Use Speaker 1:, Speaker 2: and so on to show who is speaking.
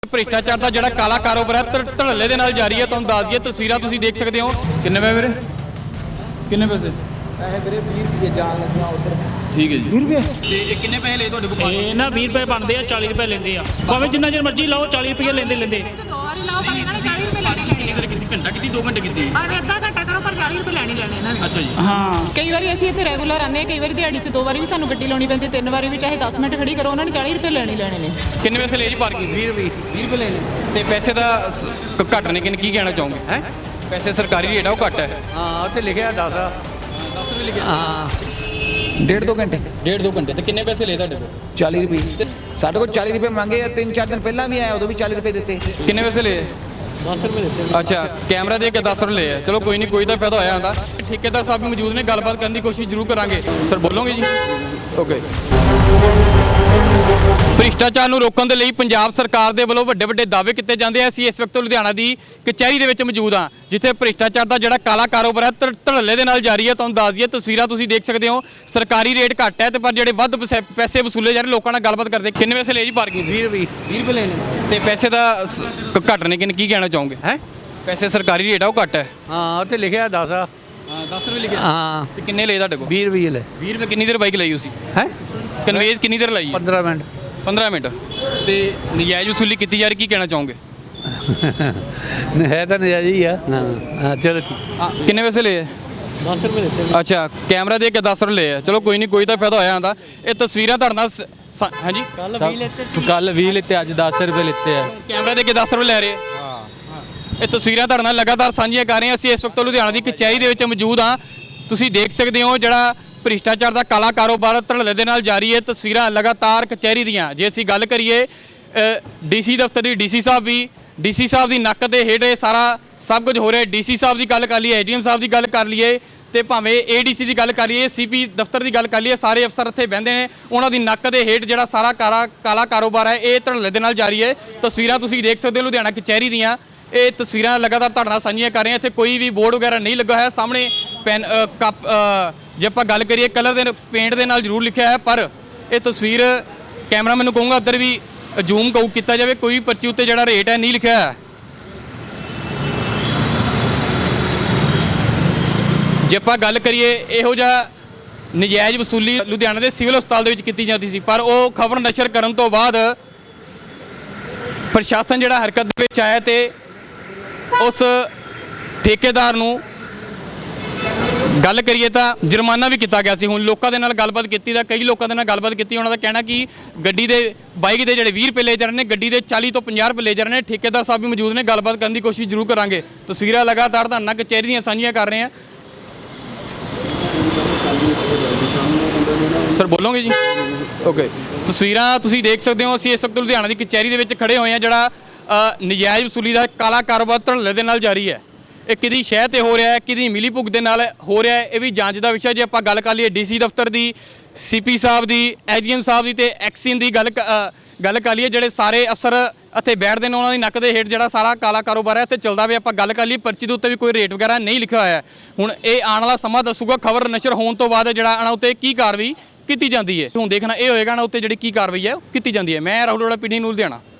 Speaker 1: ਭ੍ਰਿਸ਼ਟਾਚਾਰ ਦਾ ਜਿਹੜਾ ਕਾਲਾ ਕਾਰੋਬਾਰ ਹੈ ਧੜੱਲੇ ਦੇ ਨਾਲ ਜਾਰੀ ਹੈ। ਤੁਹਾਨੂੰ ਦੱਸ ਦਈਏ ਤਸਵੀਰਾਂ ਤੁਸੀਂ ਦੇਖ ਸਕਦੇ ਹੋ। ਕਿੰਨੇ ਪੈਸੇ ਵੀਰੇ? ਕਿੰਨੇ ਪੈਸੇ?
Speaker 2: ਪੈਸੇ ਵੀਰੇ 20 ਰੁਪਏ ਜਾਣ ਲੱਗਿਆ ਉਧਰ।
Speaker 1: ਠੀਕ ਹੈ ਜੀ।
Speaker 2: 20 ਰੁਪਏ
Speaker 1: ਤੇ ਇਹ ਕਿੰਨੇ ਪੈਸੇ ਲਏ ਤੁਹਾਡੇ ਕੋਲ?
Speaker 3: ਇਹ ਨਾ 20 ਰੁਪਏ ਬਣਦੇ ਆ, 40 ਰੁਪਏ ਲੈਂਦੇ ਆ। ਭਾਵੇਂ ਜਿੰਨਾ ਚਿਰ ਮਰਜ਼ੀ ਲਾਓ, 40 ਰੁਪਏ ਲੈਂਦੇ।
Speaker 4: ਦੋ ਵਾਰੀ ਲਾਓ ਪਰ ਇਹਨਾਂ ਨੇ 40 ਰੁਪਏ ਲੈਣੇ ਲੈਣੇ।
Speaker 1: ਕਿੰਨੀ ਘੰਟਾ ਕੀਤੀ? 2 ਘੰਟੇ ਕੀਤੀ?
Speaker 4: ਭਾਵੇਂ ਅੱਧਾ ਘੰਟਾ ਕਰੋ ਪਰ 40 ਰੁਪਏ ਲੈਣੇ ਇਹਨਾਂ ਨੇ।
Speaker 1: ਅੱਛਾ ਜੀ।
Speaker 3: ਹਾਂ,
Speaker 4: ਕਈ ਵਾਰੀ ਅਸੀਂ ਇੱਥੇ ਰੈਗੂਲਰ ਆਉਂਦੇ ਹਾਂ, ਕਈ ਵਾਰੀ ਦਿਹਾੜੀ 'ਚ 2 ਵਾਰੀ ਵੀ ਸਾਨੂੰ ਗੱਡੀ ਲਾਉਣੀ ਪੈਂਦੀ, 3 ਵਾਰੀ ਵੀ ਚਾਹੇ 10 ਮਿੰਟ ਖੜੀ ਕਰੋ, ਉਹਨਾਂ ਨੇ 40 ਰੁਪਏ ਲੈਣੇ ਨੇ।
Speaker 1: ਕਿੰਨੇ ਪੈਸੇ ਲਏ ਜੀ ਪਾਰਕਿੰਗ?
Speaker 2: 20 ਰੁਪਏ
Speaker 1: 20 ਰੁਪਏ ਲੈਣੇ। ਤੇ ਪੈਸੇ ਦਾ ਘੱਟ ਨੇ ਕਿ ਕੀ ਕਹਿਣਾ ਚਾਹੋਗੇ?
Speaker 2: ਹੈ
Speaker 1: ਪੈਸੇ ਸਰਕਾਰੀ ਰੇਟ ਆ ਉਹ ਘੱਟ ਹੈ।
Speaker 2: ਹਾਂ ਉੱਥੇ ਲਿਖਿਆ 10
Speaker 1: 10 ਰੁਪਏ ਲਿਖਿਆ।
Speaker 2: ਹਾਂ 1.5-2 ਘੰਟੇ
Speaker 1: 1.5-2 ਘੰਟੇ। ਤੇ ਕਿੰਨੇ ਪੈਸੇ ਲਏ ਤੁਹਾਡੇ ਕੋਲ?
Speaker 2: 40 ਰੁਪਏ ਸਾਡੇ ਕੋਲ 40 ਰੁਪਏ ਮੰਗੇ ਆ। 3-4 ਦਿਨ ਪਹਿਲਾਂ ਵੀ ਆਇਆ, ਉਦੋਂ ਵੀ 40 ਰੁਪਏ ਦਿੱਤੇ।
Speaker 1: ਕਿੰਨੇ ਪੈਸੇ ਲਏ?
Speaker 3: 10 ਰੁਪਏ ਦਿੱਤੇ।
Speaker 1: ਅੱਛਾ, ਕੈਮਰਾ ਦੇ ਕੇ 10 ਰੁਪਏ ਲਏ ਆ। ਚਲੋ ਕੋਈ ਨਹੀਂ, ਕੋਈ ਤਾਂ ਫਾਇਦਾ ਹੋਇਆ ਹੁੰਦਾ। ਠੇਕੇਦਾਰ ਸਾਹਿਬ ਵੀ ਮੌਜੂਦ ਨੇ, ਗੱਲਬਾਤ ਕਰਨ ਦੀ ਕੋਸ਼ਿਸ਼ ਜ਼ਰੂਰ ਕਰਾਂਗੇ। ਸਰ ਬੋਲੋਗੇ ਜੀ? ਓਕੇ। ਭ੍ਰਿਸ਼ਟਾਚਾਰ ਨੂੰ ਰੋਕਣ ਦੇ ਲਈ ਪੰਜਾਬ ਸਰਕਾਰ ਦੇ ਵੱਲੋਂ ਵੱਡੇ ਦਾਅਵੇ ਕੀਤੇ ਜਾਂਦੇ ਆ। ਅਸੀਂ ਇਸ ਵਕਤ ਲੁਧਿਆਣਾ ਦੀ ਕਚਹਿਰੀ ਦੇ ਵਿੱਚ ਮੌਜੂਦ ਹਾਂ, ਜਿੱਥੇ ਭ੍ਰਿਸ਼ਟਾਚਾਰ ਦਾ ਜਿਹੜਾ ਕਾਲਾ ਕਾਰੋਬਾਰ ਹੈ ਧੜੱਲੇ ਦੇ ਨਾਲ ਜਾਰੀ ਹੈ। ਤੁਹਾਨੂੰ ਦੱਸ ਦਈਏ ਤਸਵੀਰਾਂ ਤੁਸੀਂ ਦੇਖ ਸਕਦੇ ਹੋ। ਸਰਕਾਰੀ ਰੇਟ ਘੱਟ ਹੈ ਤੇ ਪਰ ਜਿਹੜੇ ਵੱਧ ਪੈਸੇ ਵਸੂਲੇ ਜਾ ਰਹੇ, ਲੋਕਾਂ ਨਾਲ ਗੱਲਬਾਤ ਕਰਦੇ। ਕਿੰਨੇ ਪੈਸੇ ਲਏ ਜੀ ਪਾਰਕਿੰਗ?
Speaker 2: 20 ਰੁਪਏ
Speaker 1: 20 ਰੁਪਏ ਲੈਣੇ। ਤੇ ਪੈਸੇ ਦਾ ਘੱਟ ਨੇ ਕਿ ਕੀ ਕਹਿਣਾ ਚਾਹੋਗੇ?
Speaker 2: ਹੈ
Speaker 1: ਪੈਸੇ ਸਰਕਾਰੀ ਰੇਟ ਆ ਉਹ ਘੱਟ ਹੈ।
Speaker 2: ਹਾਂ ਉੱਥੇ ਲਿਖਿਆ 10
Speaker 1: ਹਾਂ 10 ਰੁਪਏ ਲਿਖਿਆ।
Speaker 2: ਹਾਂ
Speaker 1: ਤੇ ਕਿੰਨੇ ਲਏ ਤੁਹਾਡੇ ਕੋਲ?
Speaker 2: 20 ਰੁਪਏ ਲੈ
Speaker 1: 20 ਰੁਪਏ। ਕਿੰਨੀ ਦੇਰ ਬਾਈਕ ਲਈ ਤੁਸੀਂ?
Speaker 2: ਹੈ
Speaker 1: ਕਨਵੇਜ਼ ਕਿੰਨੀ ਦੇਰ ਲਾਈ?
Speaker 2: 15 ਮਿੰਟ
Speaker 1: 15 ਮਿੰਟ। ਤੇ ਨਜਾਇਜ਼ ਵਸੂਲੀ ਕੀਤੀ ਜਾ ਰਹੀ, ਕੀ ਕਹਿਣਾ ਚਾਹੋਗੇ?
Speaker 2: ਹੈ ਤਾਂ ਨਜਾਇਜ਼ ਹੀ ਆ। ਹਾਂ ਚਲੋ ਠੀਕ।
Speaker 1: ਕਿੰਨੇ ਪੈਸੇ ਲਏ?
Speaker 3: 10 ਰੁਪਏ ਦਿੱਤੇ।
Speaker 1: ਅੱਛਾ, ਕੈਮਰਾ ਦੇ ਕੇ 10 ਰੁਪਏ ਲਏ ਆ। ਚਲੋ ਕੋਈ ਨਹੀਂ, ਕੋਈ ਤਾਂ ਫਾਇਦਾ ਹੋਇਆ ਹੁੰਦਾ। ਇਹ ਤਸਵੀਰਾਂ ਤੁਹਾਡੇ ਨਾਲ ਹਾਂਜੀ
Speaker 3: ਕੱਲ 20 ਲੈਤੇ।
Speaker 5: ਕੱਲ 20 ਲਿੱਤੇ, ਅੱਜ 10 ਰੁਪਏ ਲਿੱਤੇ ਆ।
Speaker 1: ਕੈਮਰਾ ਦੇ ਕੇ 10 ਰੁਪਏ ਲੈ ਰਹੇ ਆ। ਇਹ ਤਸਵੀਰਾਂ ਤੁਹਾਡੇ ਨਾਲ ਲਗਾਤਾਰ ਸਾਂਝੀਆਂ ਕਰ ਰਹੇ ਹਾਂ। ਅਸੀਂ ਇਸ ਵਕਤ ਲੁਧਿਆਣਾ ਦੀ ਕਚਹਿਰੀ ਦੇ ਵਿੱਚ ਮੌਜੂਦ ਹਾਂ। ਤੁਸੀਂ ਦੇਖ ਸਕਦੇ ਹੋ ਜਿਹੜਾ ਭ੍ਰਿਸ਼ਟਾਚਾਰ ਦਾ ਕਾਲਾ ਕਾਰੋਬਾਰ ਧੜੱਲੇ ਦੇ ਨਾਲ ਜਾਰੀ ਹੈ। ਤਸਵੀਰਾਂ ਲਗਾਤਾਰ ਕਚਹਿਰੀ ਦੀਆਂ। ਜੇ ਅਸੀਂ ਗੱਲ ਕਰੀਏ ਡੀਸੀ ਦਫ਼ਤਰ ਦੀ, ਡੀਸੀ ਸਾਹਿਬ ਦੀ ਨੱਕ ਦੇ ਹੇਠ ਇਹ ਸਾਰਾ ਸਭ ਕੁਝ ਹੋ ਰਿਹਾ। ਡੀਸੀ ਸਾਹਿਬ ਦੀ ਗੱਲ ਕਰ ਲਈਏ, ਏਡੀਐਮ ਸਾਹਿਬ ਦੀ ਗੱਲ ਕਰ ਲਈਏ ਤੇ ਭਾਵੇਂ ਏਡੀਸੀ ਦੀ ਗੱਲ ਕਰ ਲਈਏ, ਸੀਪੀ ਦਫ਼ਤਰ ਦੀ ਗੱਲ ਕਰ ਲਈਏ, ਸਾਰੇ ਅਫਸਰ ਇੱਥੇ ਬਹਿੰਦੇ ਨੇ। ਉਹਨਾਂ ਦੀ ਨੱਕ ਦੇ ਹੇਠ ਜਿਹੜਾ ਸਾਰਾ ਕਾਲਾ ਕਾਰੋਬਾਰ ਹੈ ਇਹ ਧੜੱਲੇ ਦੇ ਨਾਲ ਜਾਰੀ ਹੈ। ਤਸਵੀਰਾਂ ਤੁਸੀਂ ਦੇਖ ਸਕਦੇ ਹੋ ਲੁਧਿਆਣਾ ਕਚਹਿਰੀ ਦੀਆਂ। ਇਹ ਤਸਵੀਰਾਂ ਲਗਾਤਾਰ ਤੁਹਾਡੇ ਨਾਲ ਸਾਂਝੀਆਂ ਕਰ ਰਹੇ ਹਾਂ। ਇੱਥੇ ਕੋਈ ਵੀ ਬੋਰਡ ਵਗੈਰਾ ਨਹੀਂ ਲੱਗਾ ਹੋਇਆ। ਸਾਹਮਣੇ ਪੈਨ ਕੱਪ ਜੇ ਆਪਾਂ ਗੱਲ ਕਰੀਏ ਕਲਰ ਦੇ ਪੇਂਟ ਦੇ ਨਾਲ ਜ਼ਰੂਰ ਲਿਖਿਆ ਹੈ, ਪਰ ਇਹ ਤਸਵੀਰ ਕੈਮਰਾ ਮੈਨੂੰ ਕਹੂੰਗਾ ਉੱਧਰ ਵੀ ਜ਼ੂਮ ਕੀਤਾ ਜਾਵੇ। ਕੋਈ ਪਰਚੀ ਉੱਤੇ ਜਿਹੜਾ ਰੇਟ ਹੈ ਨਹੀਂ ਲਿਖਿਆ ਹੈ। ਜੇ ਆਪਾਂ ਗੱਲ ਕਰੀਏ ਇਹੋ ਜਿਹਾ ਨਜਾਇਜ਼ ਵਸੂਲੀ ਲੁਧਿਆਣਾ ਦੇ ਸਿਵਲ ਹਸਪਤਾਲ ਦੇ ਵਿੱਚ ਕੀਤੀ ਜਾਂਦੀ ਸੀ, ਪਰ ਉਹ ਖਬਰ ਨਸ਼ਰ ਕਰਨ ਤੋਂ ਬਾਅਦ ਪ੍ਰਸ਼ਾਸਨ ਜਿਹੜਾ ਹਰਕਤ ਦੇ ਵਿੱਚ ਆਇਆ ਤੇ ਉਸ ਠੇਕੇਦਾਰ ਨੂੰ ਗੱਲ ਕਰੀਏ ਤਾਂ ਜੁਰਮਾਨਾ ਵੀ ਕੀਤਾ ਗਿਆ ਸੀ। ਹੁਣ ਲੋਕਾਂ ਦੇ ਨਾਲ ਗੱਲਬਾਤ ਕੀਤੀ ਤਾਂ ਕਈ ਲੋਕਾਂ ਦੇ ਨਾਲ ਗੱਲਬਾਤ ਕੀਤੀ, ਉਹਨਾਂ ਦਾ ਕਹਿਣਾ ਕਿ ਗੱਡੀ ਦੇ ਬਾਈਕ ਦੇ ਜਿਹੜੇ 20 ਰੁਪਏ ਲੈ ਜਾ ਰਹੇ ਨੇ, ਗੱਡੀ ਦੇ 40 ਤੋਂ 50 ਰੁਪਏ ਲੈ ਜਾ ਰਹੇ ਨੇ। ਠੇਕੇਦਾਰ ਸਾਹਿਬ ਵੀ ਮੌਜੂਦ ਨੇ, ਗੱਲਬਾਤ ਕਰਨ ਦੀ ਕੋਸ਼ਿਸ਼ ਜ਼ਰੂਰ ਕਰਾਂਗੇ। ਤਸਵੀਰਾਂ ਲਗਾਤਾਰ ਤੁਹਾਨੂੰ ਕਚਹਿਰੀ ਦੀਆਂ ਸਾਂਝੀਆਂ ਕਰ ਰਹੇ ਹਾਂ। ਸਰ ਬੋਲੋਗੇ ਜੀ? ਓਕੇ। ਤਸਵੀਰਾਂ ਤੁਸੀਂ ਦੇਖ ਸਕਦੇ ਹੋ। ਅਸੀਂ ਇਸ ਵਕਤ ਲੁਧਿਆਣਾ ਦੀ ਕਚਹਿਰੀ ਦੇ ਵਿੱਚ ਖੜੇ ਹੋਏ ਹਾਂ। ਜਿਹੜਾ ਨਜਾਇਜ਼ ਵਸੂਲੀ ਦਾ ਕਾਲਾ ਕਾਰੋਬਾਰ ਧੜੱਲੇ ਦੇ ਨਾਲ ਜਾਰੀ ਹੈ, ਇਹ ਕਿਹਦੀ ਸ਼ਹਿ ਤੇ ਹੋ ਰਿਹਾ ਹੈ, ਕਿਹਦੀ ਮਿਲੀ ਭੁਗਤ ਦੇ ਨਾਲ ਹੋ ਰਿਹਾ ਹੈ, ਇਹ ਵੀ ਜਾਂਚ ਦਾ ਵਿਸ਼ਾ। ਜੇ ਆਪਾਂ ਗੱਲ ਕਰ ਲਈਏ ਡੀਸੀ ਦਫ਼ਤਰ ਦੀ, ਸੀਪੀ ਸਾਹਿਬ ਦੀ, ਐਜੀਐਮ ਸਾਹਿਬ ਦੀ ਤੇ ਐਕਸੀਨ ਦੀ ਗੱਲ ਕਰ ਲਈਏ, ਜਿਹੜੇ ਸਾਰੇ ਅਫਸਰ ਇੱਥੇ ਬੈਠਦੇ ਨੇ, ਉਹਨਾਂ ਦੀ ਨੱਕ ਦੇ ਹੇਠ ਜਿਹੜਾ ਸਾਰਾ ਕਾਲਾ ਕਾਰੋਬਾਰ ਹੈ ਇੱਥੇ ਚੱਲਦਾ ਪਿਆ। ਆਪਾਂ ਗੱਲ ਕਰ ਲਈਏ ਪਰਚੀ ਦੇ ਉੱਤੇ ਵੀ ਕੋਈ ਰੇਟ ਵਗੈਰਾ ਨਹੀਂ ਲਿਖਿਆ ਹੋਇਆ। ਹੁਣ ਇਹ ਆਉਣ ਵਾਲਾ ਸਮਾਂ ਦੱਸੂਗਾ ਖਬਰ ਨਸ਼ਰ ਹੋਣ ਤੋਂ ਬਾਅਦ ਜਿਹੜਾ ਇਹਨਾਂ ਉੱਤੇ ਕੀ ਕਾਰਵਾਈ ਕੀਤੀ ਜਾਂਦੀ ਹੈ। ਹੁਣ ਦੇਖਣਾ ਇਹ ਹੋਏਗਾ ਨਾ ਉੱਤੇ ਜਿਹੜੀ ਕੀ ਕਾਰਵਾਈ ਹੈ ਕੀਤੀ ਜਾਂਦੀ ਹੈ। ਮੈਂ ਰਾਹੁਲ ਅਰੋੜਾ, ਪੀਡੀ ਨਿਊਜ਼ ਲੁਧਿਆਣਾ।